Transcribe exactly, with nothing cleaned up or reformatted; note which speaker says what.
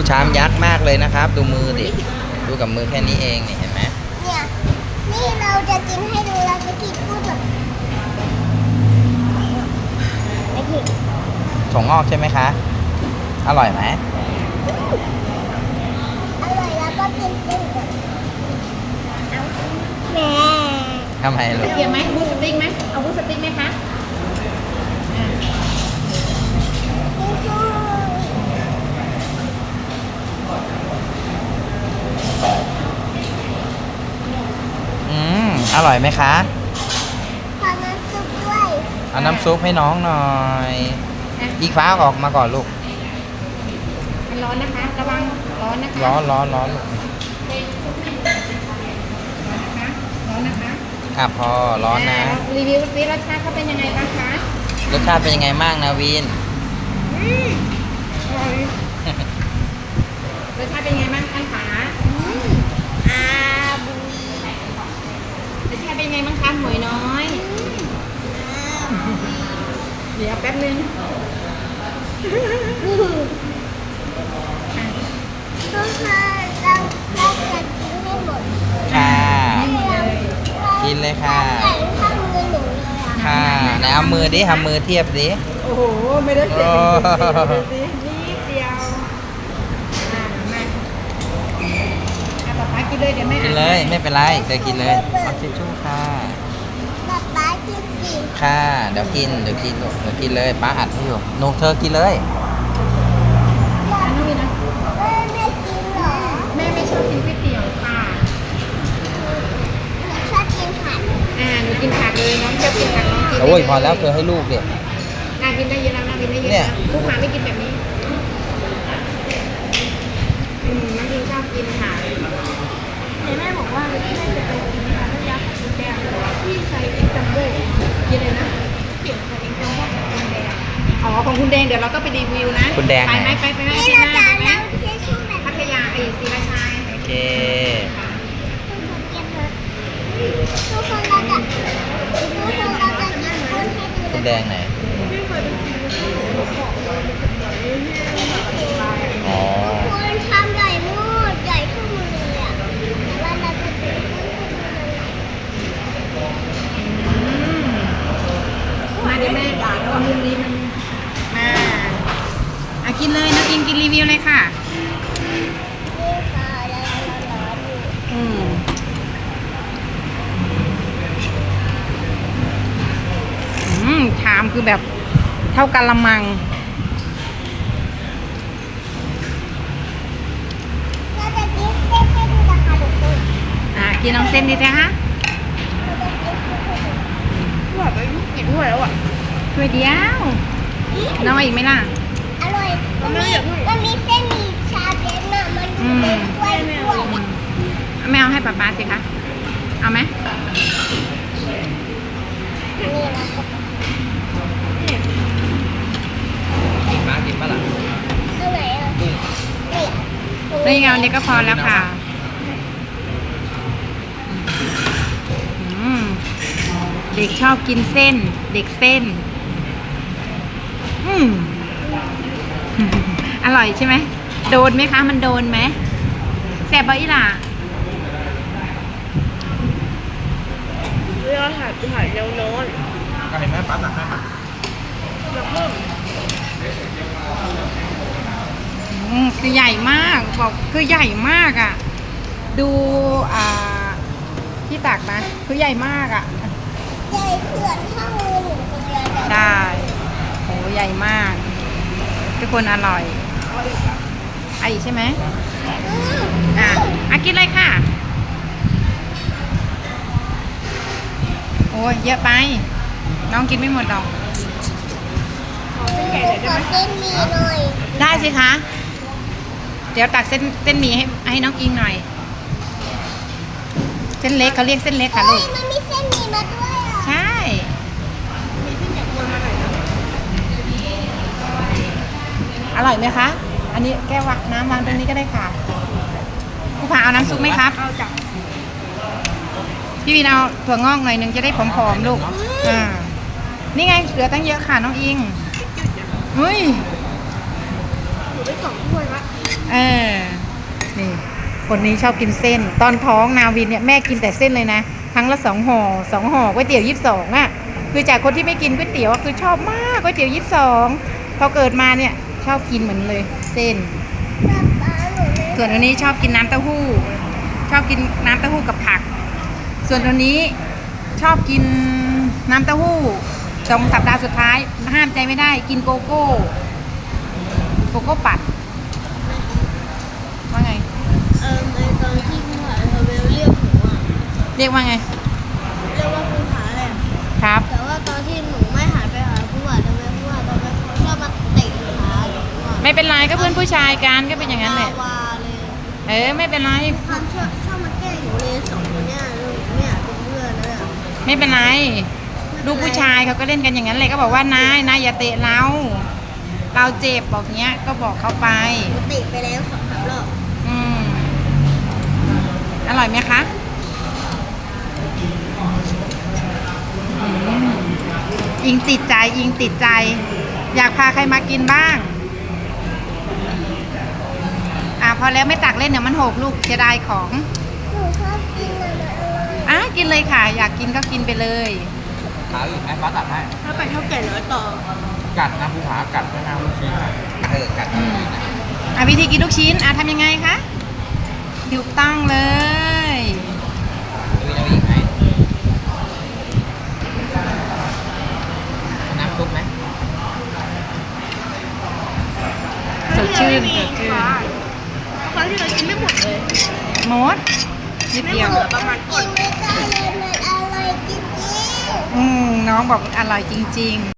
Speaker 1: ชามยักษ์มากเลยนะครับ ดูมือดิดูกับมือแค่นี้เองนี่เห็นไหม
Speaker 2: เนี่ยนี่เราจะกินให้ดูเราจะกินพูดแบบไม่ผิด
Speaker 1: ถั่วงอกใช่ไหมคะอร่อยไหม
Speaker 2: อร่อยแล้วก็กินเส้นแบบแม่
Speaker 1: ทำไมลูก
Speaker 3: เกี่ยวไหมบูสติ๊กไหมเอาบูสติ๊กไหมคะ
Speaker 1: อืมอร่อยไหมคะ
Speaker 2: ขอน้ำซุปด้วย
Speaker 1: เอาน้ำซุปให้น้องหน่อยอีกฟ้าออกมาก่อนลูก
Speaker 3: มันร้อนนะคะระวังร้อนนะคะ
Speaker 1: ร้อนร้อนร้อนลูก
Speaker 3: ร้อนนะคะ
Speaker 1: อ่ะพอร้อนนะ
Speaker 3: รีวิวซิรสชาติเขาเป็นยังไงบ้างคะ
Speaker 1: รสชาติเป็นยังไงบ้างนะวิน
Speaker 3: รสชาติเป็นยังไงบ้างคะขา
Speaker 2: อาบุย
Speaker 3: รสชาติเป็นยังไงบ้างคะหมวยน้อยเดี๋ยวแป๊บนึง
Speaker 2: ก็คือเราเราจะกินให้หมด
Speaker 1: ค่ะกินเลยค่ะ
Speaker 2: ใส่ข้างมือหนูเลยอ่ะ
Speaker 1: ค่ะไหนเอามือดิทำมือเทียบดิ
Speaker 3: โอ้โหไม่ได้เสียนิดเดียวอ่ามาเอาป๊าป๊ากินเลยเดี๋ยวแม่
Speaker 1: กินเลยไม่เป็นไรเดี๋ยวกินเลยเอาชิชชู่ค่ะ
Speaker 2: ป๊าป๊ากินสิ
Speaker 1: ค่ะเดี๋ยวกินเดี๋ยวกินลูกเดี๋ยวกินเลยป้าอัดให้อยู่หนูเธอกินเลย
Speaker 3: น้องวินนะ
Speaker 2: แม่ไม่กินเหรอ
Speaker 3: แม่ไม่ชอบกินก๋วยเตี๋ยวค่ะ
Speaker 2: ชอบกินผัก
Speaker 3: อ่าหนูกินผักเลยน้องชอบกินผักน้องกิน
Speaker 1: โอ้ยพอแล้วเธอให้ลูกเด็ก
Speaker 3: น่ากินได้เยอะแล้วน่ากินได้เยอะผู้ค้าไม่กินแบบนี้อืมน้องกินชอบกินผักแต่แม่บอกว่าแม่จะไปกินผักแล้วยักษ์ของแดงที่ใส่เอ็กซ์จัมโบ้กินเลยนะเกี่ยวกับเอ็กซ์จัมโบ้ของคุณแดงอ๋อของคุณแดงเดี๋ยวเราก็ไปรีวิวนะ
Speaker 1: คุณแดง
Speaker 3: ไปไหมไปไปไหม
Speaker 2: นี่
Speaker 3: ที่
Speaker 2: เรา
Speaker 3: หน้า
Speaker 2: จะ
Speaker 3: ไปไหม
Speaker 2: นั่งเชื่อชื่อแบบ
Speaker 3: พัทยาไอ้ศรีราชา
Speaker 1: โอเค
Speaker 2: ทุกคนเราจะทุกคนเราจะกินพูดให้ดู
Speaker 1: คุณแดงไหนอ๋อ
Speaker 2: คุณทำใหญ่มูดใหญ่ขึ้นมือเลยอ่ะแล้วเราจะกินพูดให้ดู
Speaker 3: มาเดี๋ยวแม่ด่าตอนมุมนี้มันมาอ่ะกินเลยนะกินกินรีวิวเลยค่ะ
Speaker 2: นี่ค่ะแล้วเราร้อนอยู่
Speaker 3: อืมอืมชามคือแบบเท่ากันละมัง
Speaker 2: เราจะกินเส้นให้ดูนะคะทุกคน
Speaker 3: อ่ะกินน้องเส้นดีจ้ะฮะ
Speaker 2: เราจะกินเส้นให้ดู
Speaker 3: ถ้วยไปกินถ้วยแล้วอ่ะถ้วยเดียวน้องเอาอีกไหมล่ะ
Speaker 2: อร่อยมันมีมันมีเส้นมีชาเย็นอ่ะมันเป็นถ้วยถ้วยอ่ะ
Speaker 3: ไม่เอาให้ป๊าป๊าสิคะเอาไหม
Speaker 2: นี่นะ
Speaker 1: กินป้ากินป้าล่ะ
Speaker 2: ตรงไหนอ่ะนี่
Speaker 3: นี่เงาเด็กก็พอแล้วค่ะอืมเด็กชอบกินเส้นเด็กเส้นอืม อร่อยใช่ไหมโดนไหมคะมันโดนไหมแซ่บบ่อีหล่ะ
Speaker 2: เรื่องถ่ายถ่ายเร็วโน้น
Speaker 1: ก็เห็นไหมป้าตักให้ป้า
Speaker 3: อืมคือใหญ่มากบอกคือใหญ่มากอ่ะดูอ่าที่ตักนะคือใหญ่มากอ่ะ
Speaker 2: ใหญ่เขื่อนข้างมือหนูคนเดียวเลย
Speaker 3: ใช่โหใหญ่มากทุกคนอร่อยไอ้ใช่ไหมอ่ะอ่ะกินเลยค่ะโอ้ยเยอะไปน้องกินไม่หมดหรอก
Speaker 2: ขอเส้นหมีหน่อย
Speaker 3: ได้สิคะเดี๋ยวตักเส้นเส้นหมี่ให้ให้น้องอิงหน่อยเส้นเล็กเขาเรียกเส้นเล็กค่ะลู
Speaker 2: เฮ้ย
Speaker 3: ก
Speaker 2: มันมีเส้นหมีมาด้วยอ่ะ
Speaker 3: ใช่อร่อยไหมคะอันนี้แก้ววางน้ำวางตรงนี้ก็ได้ค่ะผู้ผ่าเอาน้ำซุปไหมครับเอาจ้ะพี่วินเอาถั่วงอกหน่อยนึงจะได้ผอมๆลูกอ่านี่ไงเหลือตั้งเยอะค่ะน้องอิงเฮ้ย
Speaker 2: หนูได้สองถ้วยละ
Speaker 3: เออ นี่ คนนี้ชอบกินเส้น ตอนท้องนาวินเนี่ยแม่กินแต่เส้นเลยนะ ครั้งละสองห่อสองห่อก๋วยเตี๋ยวยี่สิบสองอ่ะ คือจากคนที่ไม่กินก๋วยเตี๋ยวอะคือชอบมากก๋วยเตี๋ยวยี่สิบสองพอเกิดมาเนี่ยชอบกินเหมือนเลยเส้น ส่วนอันนี้ชอบกินน้ำเต้าหู้ ชอบกินน้ำเต้าหู้กับผัก ส่วนตัวนี้ชอบกินน้ำเต้าหู้สองสัปดาห์สุดท้ายห้ามใจไม่ได้กินโกโก้ โกโก้ปัดว่าไง
Speaker 2: เออในตอนที่ผู้หาทเวลเรียกหนูอ่ะ
Speaker 3: เรียกว่าไง
Speaker 2: เรียกว่าผู้หาแหละ
Speaker 3: ครับ
Speaker 2: แต่ว่าตอนที่หนูไม่หันไปหาผู้หาทเวลผู้หาทเวลเขาชอบมาเตะขาหนูอ่ะ
Speaker 3: ไม่เป็นไรก็เพื่อนผู้ชายกันก็เป็นอย่างนั้นแหละ
Speaker 2: วาเลย
Speaker 3: เออไม่เป็นไร
Speaker 2: ทำชอบชอบมาแกล้งหนูเลยสองคนเนี้ยลูกเนี่ยเป็นเพื่อนเลยอะ
Speaker 3: ไม่เป็นไรลูกผู้ชายเขาก็เล่นกันอย่างนั้นเลยก็บอกว่านายนายอย่าเตะเรา เราเจ็บบอกเนี้ยก็บอกเขาไป
Speaker 2: หนูเตะไปแล้วสองสามรอบ
Speaker 3: อืมอร่อยไหมคะอืมอิงติดใจอิงติดใจ อยากพาใครมากินบ้าง อ่ะพอแล้วไม่ตักเล่นเดี๋ยวมันหกลูกเสียดายของ
Speaker 2: หนูชอบกินอะไรอะไร
Speaker 3: อ่ะกินเลยค่ะ อยากกินก็กินไปเลย
Speaker 1: ขาวอีกไหมป้าตัดให้
Speaker 2: ถ้าไปเท่าแก่น้อยต่อ
Speaker 1: กัดนะภูผากัดไม่น่าลูกชิ้นนะเออกัด
Speaker 3: อืม อ่ะวิธีกินลูกชิ้นอ่ะทำยังไงคะถูกต้องเลย
Speaker 1: ดูจะอีกไหมน้ำซุปไหม
Speaker 3: สดชื่นสดชื่น
Speaker 2: ครั้งที่เรากินไม่หมดเลย
Speaker 3: หมดนิดเดียว
Speaker 2: เหลือประมาณกินไม่ได้เลยมันอร่อยจริงๆ
Speaker 3: อืมน้องบอกอร่อยจริง ๆ